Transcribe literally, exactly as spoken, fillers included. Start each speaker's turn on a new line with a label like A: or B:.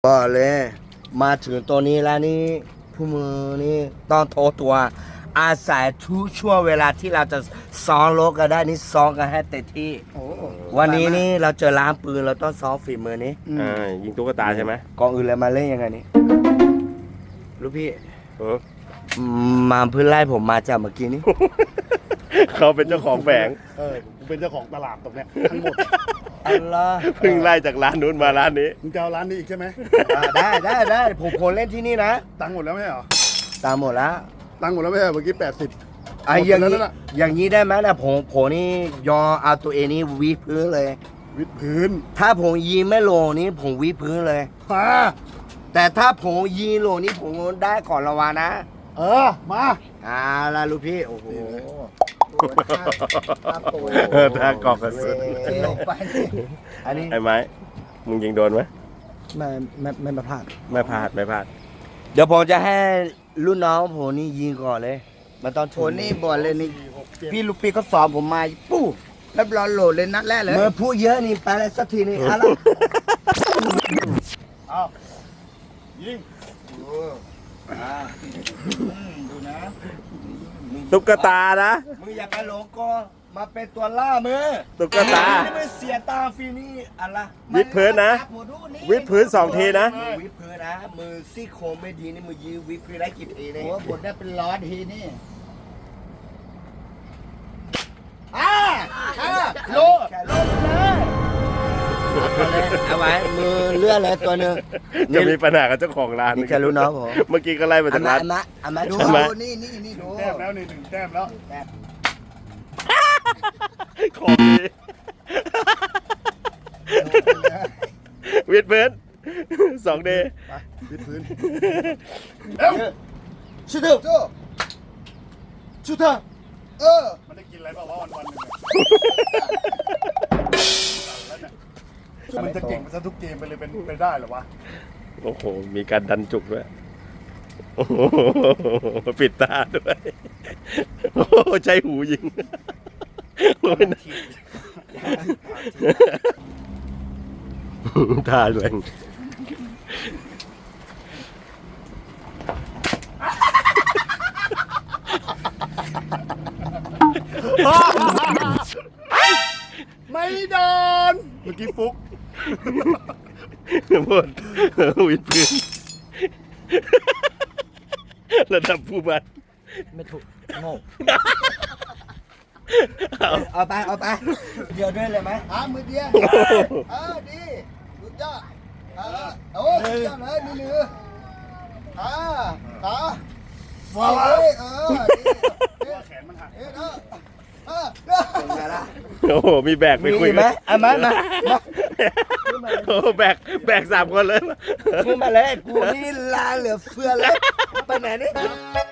A: ก็เลยมาถึงตัวนี้แล้วนี่ผู้มือนี่ต้องโทรตัวอาศัยทุกช่วงเวลาที่เราจะซ้อมรบกันได้นี่ซ้อมกันให้เต็มที่
B: โอ้
A: วันนี้นี่เราเจอร้านปืนเราต้องซ้อมฝีมือนี้
C: อ่ายิงตุ๊กตาใช่ไหม
A: กองอื่นเลยมาเล่นยังไงนี่ลูกพี่
C: เออ
A: มาเพื่อไล่ผมมาจากเมื่อกี้นี้
C: เขาเป็นเจ้าของแฝง
B: เออกูเป็นเจ้าของตลาดตรงเนี้ยทั้งหมด
A: อัลลอฮ์
C: เพิ่งไล่จากร้านนู้นมาร้านนี้
B: มึงจะเอาร้านนี้อีกใช่ไหม
A: อ่าได้ได้ได้ผมคนเล่นที่นี่นะ
B: ตังค์หมดแล้วไม่ใช่เหรอ
A: ตามหมดแล้ว
B: ตังค์หมดแล้วไม่ใช่เหรอเมื่อกี้แปดสิบ
A: ไอ้อย่าง
B: นี้
A: นี้อย่างนี้ได้ไหมนะผมผมนี่ยอมเอาตัวเองนี่วิดพื้นเลย
B: วิดพื้น
A: ถ้าผมยิงไม่ลงนี่ผมวิดพื้นเลย
B: มา
A: แต่ถ้าผมยิงลงนี่ผมได้ก่อนระวานะ
B: เออมา
A: อ่าละลูกพี่โอ้โห
C: เออถ้ากอกกระสุน
A: ลงไปอันนี้
C: ไอ้ไม้มึงยิงโดนไหม
A: ไม่ไม่ไม่มาพลาด
C: ไม่พลาดไม่พลาด
A: เดี๋ยวผมจะให้รุ่นน้องผมนี่ยิงก่อนเลยมันต้อง
D: โหนี่บอลเลยนี่
B: หกเจ็ด
D: พี่ลูกพี่เขาสอนผมมาปู้แล้วรอโหลดเลยนัดแรกเลย
A: เมื่อพูดเยอะนี่ไปเลยสักทีนี่อะไร
B: เอายิง
D: ดูนะ
C: ตุ๊กตานะ
A: มึงอย่าไปหลงกอมาเป็นตัวล่ามือ
C: ตุ๊กตา
A: นี่ไม่เสียตาฟรีนี่อะไร
C: วิดพื้นนะ วิดพื้นสองทีนะ
A: มือวิดพื้นนะมือซี่โครงไม่ดีนี่มือยืนวิดพื้นได้กี่ทีเนี่ย
D: โอ้บทได้เป็นร้อยทีนี่
A: อ่าอ่าโลแค่โลเลยเอาไว้มือเลื่อนเลยตัวหนึ่ง
C: จะมีปัญหากับเจ้าของร้าน
A: นี่แค่รู้น้องผม
C: เมื่อกี้ก็ไล่มา
A: อา
C: จาก
A: มา
C: ร้าน
A: อามาอามา
D: ดู
A: ดู
C: ทำไม
D: ดูนี่นี่นี่ดู
B: แต้มแล้วนี่หนึ่งแต้มแล้ว
C: ของดีวิดพื้นสองเดย์
B: ไปวิดพื้น
A: ชุดเถอะ
D: โจ้
A: ชุดเถอะ
D: เออ
B: มันได้กินอะไรเปล่าวะวันวันๆหนึ่งเนี่ยมันจะเก่งไปซะทุกเกมไปเลยเป็นไปได้เหรอวะ
C: โอ้โหมีการดันจุกด้วยโอ้โหปิดตาด้วยโอ้โหใช้หูยิงโอ้ยนะท่าแรง
B: ไม่โดนเมื่อกี้ฟุก
C: หมดวิดพื้นระดับผู้บัตร
A: ไม่ถูกโง่เอาไปเอาไปเดียวด้วยเลยไหม
D: หามือเดียวเออดีสุดยอดเออโอ้สุดยอดเลยนี่ลืออ่าอ่าว้าวเออดี
B: แขนมันหัก
D: เออเออเออ
A: เป็นไงล่ะ
C: โอ้โหมีแบกไป
A: มี
C: คุย
A: อีกไหม
C: กัน
A: เอามามามา
C: โอ้โหแบกแบกสามคนเลย
A: ขึ้นมาเลยกูนี่ลาเหลือเฟือเลยไปไหนนี่